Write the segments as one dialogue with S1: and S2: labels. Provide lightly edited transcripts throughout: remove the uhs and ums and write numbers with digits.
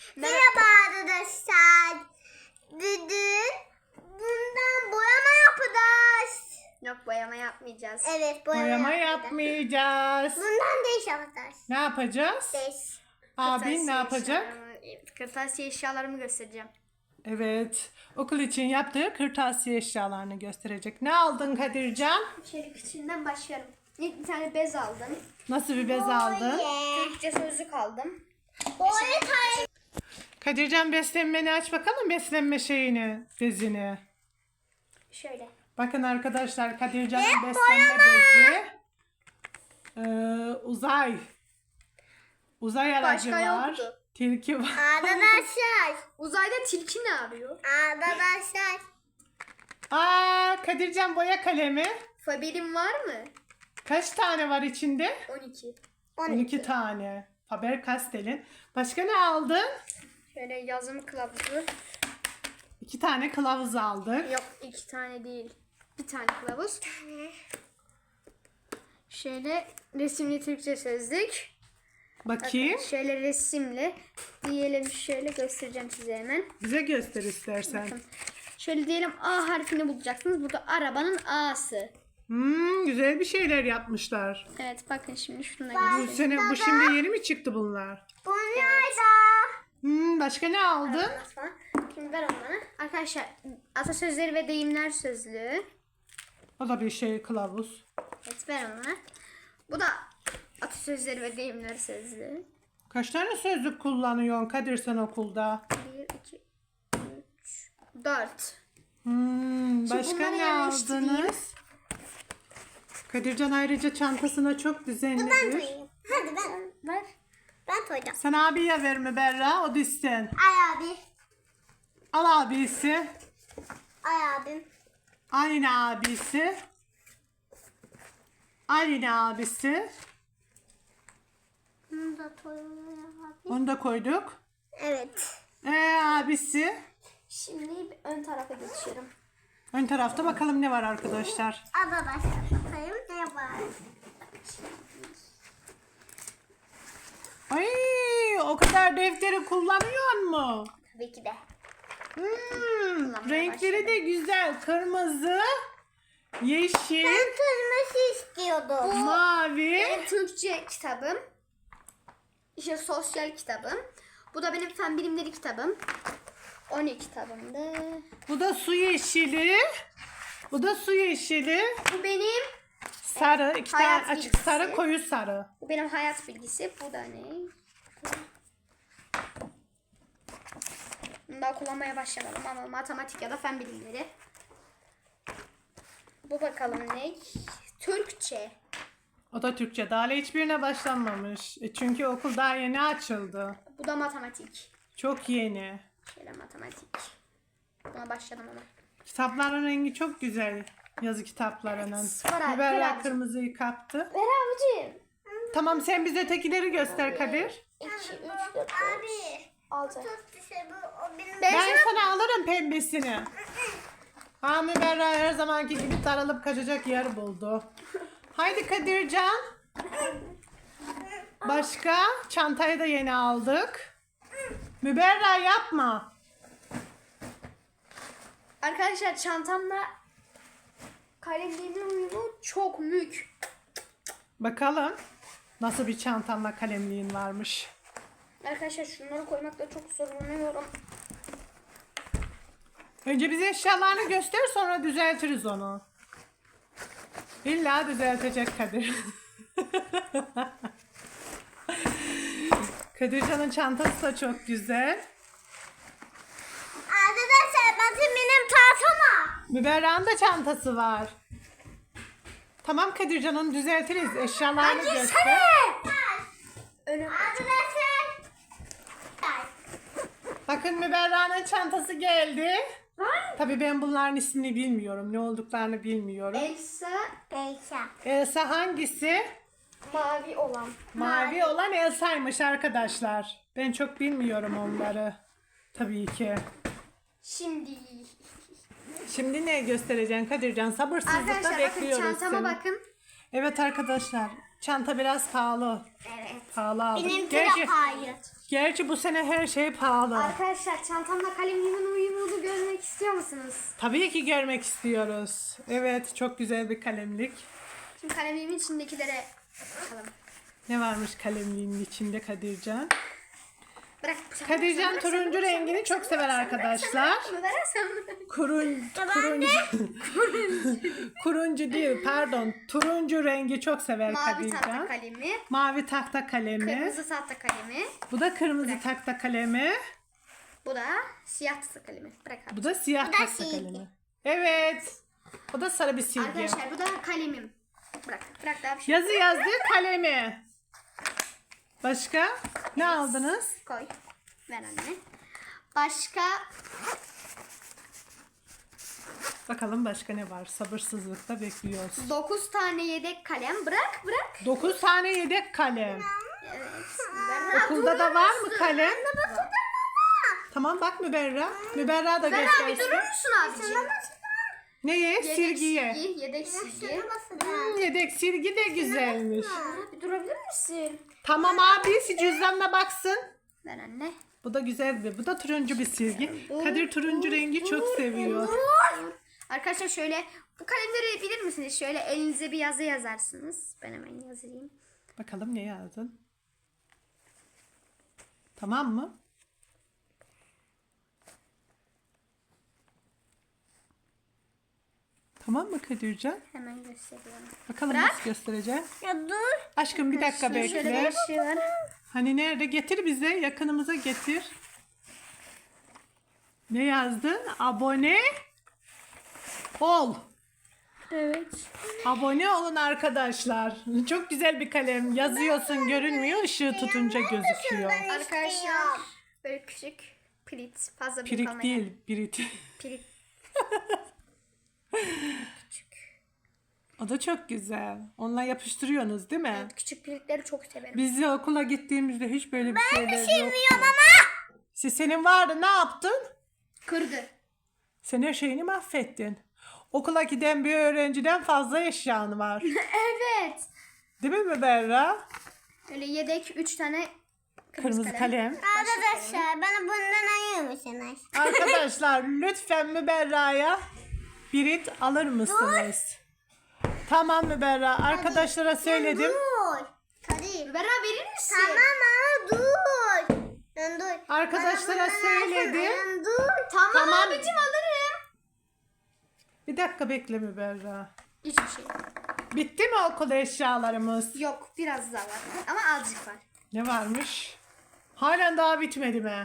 S1: Merhaba arkadaşlar. Bugün bundan boyama yapacağız.
S2: Yok, boyama yapmayacağız.
S1: Evet,
S3: Boyama yapmayacağız.
S1: Bundan değiş yapacağız.
S3: Ne yapacağız?
S1: Değiş.
S3: Abin ne yapacak?
S2: Kırtasiye eşyalarımı göstereceğim.
S3: Evet. Okul için yaptığı kırtasiye eşyalarını gösterecek. Ne aldın Kadircan?
S2: Şöyle küçüğünden başlıyorum. İlk bir tane bez aldım.
S3: Nasıl bir bez aldın?
S2: Türkçe sözlük aldım.
S1: Boya tay.
S3: Kadircan beslenmeni aç bakalım, beslenme şeyini, bezini.
S2: Şöyle.
S3: Bakın arkadaşlar, Kadircan'ın beslenme bezi. Uzay. Uzay aracı
S2: Başka
S3: var.
S2: yoktu.
S3: Tilki var.
S1: Arkadaşlar.
S2: Uzayda tilki ne arıyor?
S1: Arkadaşlar.
S3: Kadircan boya kalemi.
S2: Faberim var mı?
S3: Kaç tane var içinde?
S2: 12.
S3: 12 tane. Faber-Castell'in. Başka ne aldın?
S2: Şöyle yazım kılavuzu.
S3: 2 tane kılavuz aldık.
S2: Yok, 2 tane değil. Bir tane kılavuz. Şöyle resimli Türkçe sözlük.
S3: Bakayım.
S2: Şöyle resimli. Diyelim şöyle göstereceğim size hemen.
S3: Bize göster istersen.
S2: Şöyle diyelim A harfini bulacaksınız. Burada arabanın A'sı.
S3: Güzel bir şeyler yapmışlar.
S2: Evet, bakın şimdi şunu da
S3: Bu sene, bu şimdi yeni mi çıktı bunlar?
S1: Bunlar da.
S3: Başka ne aldın?
S2: falan. Şimdi ver onu bana. Arkadaşlar, atasözleri ve deyimler sözlüğü.
S3: O da bir şey, kılavuz.
S2: Evet, ver onu bana. Bu da atasözleri ve deyimler sözlüğü.
S3: Kaç tane sözlük kullanıyorsun Kadir sen okulda?
S2: 1, 2, 3, 4.
S3: Başka
S2: bunları
S3: ne
S2: yerleştireyim.
S3: aldınız? Kadircan ayrıca çantasına çok düzenli
S1: Ben
S3: bir.
S1: koyayım. Hadi ben.
S2: Ver.
S1: Ben koyacağım.
S3: Sen abiye ver mi Berra? O dizsin.
S1: Ay abi.
S3: Al abisi.
S1: Ay abim.
S3: Aynı abisi. Aynı abisi.
S1: Bunu da koyalım abi.
S3: Onu da koyduk.
S1: Evet.
S3: Abisi.
S2: Şimdi ön tarafa geçiyorum.
S3: Ön tarafta bakalım ne var arkadaşlar.
S1: Arkadaşlar. Koyayım ne var?
S3: Ay, o kadar defteri kullanıyor mu?
S2: Tabii ki de.
S3: Renkleri de güzel. Kırmızı, yeşil,
S1: Ben kırmızı istiyordum.
S3: mavi.
S2: Benim Türkçe kitabım. İşte sosyal kitabım. Bu da benim fen bilimleri kitabım. 12 kitabımdı.
S3: Bu da su yeşili. Bu da su yeşili.
S2: Bu benim
S3: Sarı, iki tane
S2: Hayat
S3: açık
S2: bilgisi.
S3: sarı, koyu sarı.
S2: Bu benim hayat bilgisi. Bu da ne? Bunu daha kullanmaya başlamadım ama matematik ya da fen bilimleri. Bu bakalım ne? Türkçe.
S3: O da Türkçe. Daha hiçbirine başlanmamış. Çünkü okul daha yeni açıldı.
S2: Bu da matematik.
S3: Çok yeni.
S2: Şöyle matematik. Buna başladım ama.
S3: Kitapların rengi çok güzel. Yazı kitaplarının.
S2: Var abi,
S3: Berra
S2: ver abi.
S3: kırmızıyı kaptı.
S2: Ver abicim.
S3: Tamam, sen bize tekileri göster Kadir.
S2: 2, 3, 4,
S1: Abi.
S2: 6.
S1: Çok güzel bu. O benim.
S3: Ben sana alırım pembesini. Hami Berra her zamanki gibi sarılıp kaçacak yer buldu. Haydi Kadircan. Başka? Çantayı da yeni aldık. Müberra yapma.
S2: Arkadaşlar, çantamla kalemliğimin uyumu çok mük.
S3: Bakalım nasıl bir çantanla kalemliğin varmış.
S2: Arkadaşlar, şunları koymakta çok zorlanıyorum.
S3: Önce bize eşyalarını göster, sonra düzeltiriz onu. İlla düzeltecek Kadir. Kadircan'ın çantası da çok güzel.
S1: Arkadaşlar bakın benim tahtama.
S3: Müberra'nın da çantası var. Tamam Kadircan, onu düzeltiriz. Eşyalarını göster.
S2: Öne
S1: Arkadaşlar.
S3: Bakın Müberra'nın çantası geldi. Tabii ben bunların ismini bilmiyorum. Ne olduklarını bilmiyorum.
S2: Elsa
S1: Beyza.
S3: Elsa hangisi?
S2: mavi olan.
S3: Mavi olan Elsa'ymış arkadaşlar. Ben çok bilmiyorum onları. Tabii ki.
S2: Şimdi
S3: Şimdi ne göstereceksin Kadircan? Sabırsızlıkla
S2: arkadaşlar, bakın
S3: bekliyoruz
S2: çantama
S3: seni.
S2: bakın.
S3: Evet arkadaşlar. Çanta biraz pahalı.
S1: Evet.
S3: Pahalı aldık.
S1: Benimki
S3: Gerçi
S1: de hayır.
S3: Gerçi bu sene her şey pahalı.
S2: Arkadaşlar çantamla kalemimin uyumunu görmek istiyor musunuz?
S3: Tabii ki görmek istiyoruz. Evet, çok güzel bir kalemlik.
S2: Şimdi kalemimin içindekilere bakalım.
S3: Ne varmış kalemliğin içinde Kadircan?
S2: Bırak.
S3: Kadircan turuncu rengini çok sever arkadaşlar. Kuruncu değil, pardon. Turuncu rengi çok sever
S2: Mavi tahta
S3: Kadircan.
S2: kalemi.
S3: Mavi tahta kalemi.
S2: Kırmızı tahta kalemi.
S3: Bu da kırmızı tahta kalemi.
S2: Bu da siyah tahta kalemi. Bırak abi.
S3: Bu da siyah
S1: da
S3: tahta
S1: silgi.
S3: kalemi. Evet. Bu da sarı bir silgi.
S2: Arkadaşlar bu da kalemim. Bırak. Bırak daha bir şey.
S3: Yazı yazdığı kalemi. Başka? Ne aldınız?
S2: Koy. Ver anne. Başka
S3: Bakalım başka ne var? Sabırsızlıkla bekliyoruz.
S2: 9 tane yedek kalem. Bırak.
S3: 9 tane yedek kalem.
S2: Evet.
S3: Okulda da var mı kalem? Tamam bak Müberra. Müberra da
S2: Ben abi
S3: göstersin.
S2: durur musun abiciğim?
S3: Neye?
S2: Yedek
S3: Silgiye.
S2: silgi, yedek silgi.
S3: Yedek silgi de güzelmiş.
S2: Abi durabilir misin?
S3: Tamam abisi cüzdanına baksın.
S2: Ver anne.
S3: Bu da güzel bir. Bu da turuncu bir silgi. Kadir turuncu rengi çok seviyor.
S2: Arkadaşlar şöyle bu kalemleri bilir misiniz? Şöyle elinize bir yazı yazarsınız. Ben hemen yazayım.
S3: Bakalım ne yazdın? Tamam mı? Tamam mı Kadircan?
S2: Hemen gösteriyorum.
S3: Bakalım
S2: Bırak.
S3: nasıl göstereceğim.
S1: Ya dur.
S3: Aşkım bir dakika
S2: Şöyle
S3: bekle.
S2: bir şey var.
S3: Hani nerede? Getir bize. Yakınımıza getir. Ne yazdın? Abone ol.
S2: Evet.
S3: Abone olun arkadaşlar. Çok güzel bir kalem. Yazıyorsun görünmüyor. Işığı tutunca gözüküyor.
S2: Arkadaşlar böyle küçük pirit. Fazla büyük
S3: Pirik
S2: olmayan.
S3: değil. Pirit.
S2: Pirit.
S3: O da çok güzel. Onunla yapıştırıyorsunuz değil mi?
S2: Evet, küçük piritleri çok severim.
S3: Biz de okula gittiğimizde hiç böyle bir şeyler yoktu.
S1: Bilmiyorum ama.
S3: Senin vardı ne yaptın?
S2: Kırdı.
S3: Sen her şeyini mahvettin. Okula giden bir öğrenciden fazla eşyan var.
S2: Evet.
S3: Değil mi Müberra?
S2: Öyle yedek 3 tane
S3: Kırmızı kalem.
S1: Arkadaşlar bana bundan ayır mısınız?
S3: Arkadaşlar lütfen Müberra'ya birit alır mısınız? Tamam Müberra. Arkadaşlara söyledim.
S1: Dur. Kadir.
S2: Bera verir misin?
S1: Tamam ama dur. Dur.
S3: Arkadaşlara
S1: Bana bundan
S3: söyledim.
S1: ayırsana. Dur.
S2: Tamam, abicim alırım.
S3: Bir dakika bekle Müberra.
S2: Hiçbir şey.
S3: Bitti mi okul eşyalarımız?
S2: Yok biraz daha var. Ama azıcık var.
S3: Ne varmış? Halen daha bitmedi mi?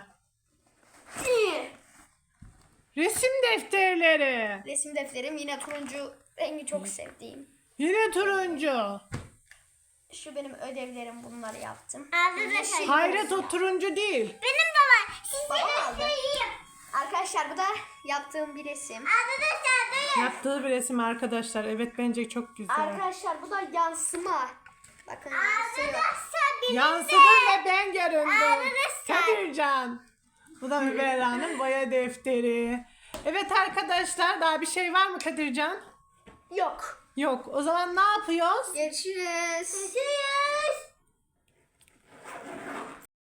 S3: Resim defterleri.
S2: Resim defterim yine turuncu rengi çok sevdiğim.
S3: Yine turuncu.
S2: Şu benim ödevlerim, bunları yaptım.
S1: Arkadaşlar.
S3: Hayret o turuncu değil.
S1: Benim de var. Size
S2: Baba aldı.
S1: göstereyim.
S2: Arkadaşlar bu da yaptığım bir resim.
S1: Arkadaşlar dur.
S3: Yaptığı bir resim arkadaşlar. Evet bence çok güzel.
S2: Arkadaşlar bu da yansıma. Bakın yansıyor.
S1: Arkadaşlar benim
S3: Yansıdı ve ben göründüm.
S1: Arkadaşlar.
S3: Kadircan. Bu da Müberra'nın boya defteri. Evet arkadaşlar daha bir şey var mı Kadircan?
S2: Yok.
S3: Yok. O zaman ne yapıyoruz?
S2: Görüşürüz.
S1: Görüşürüz.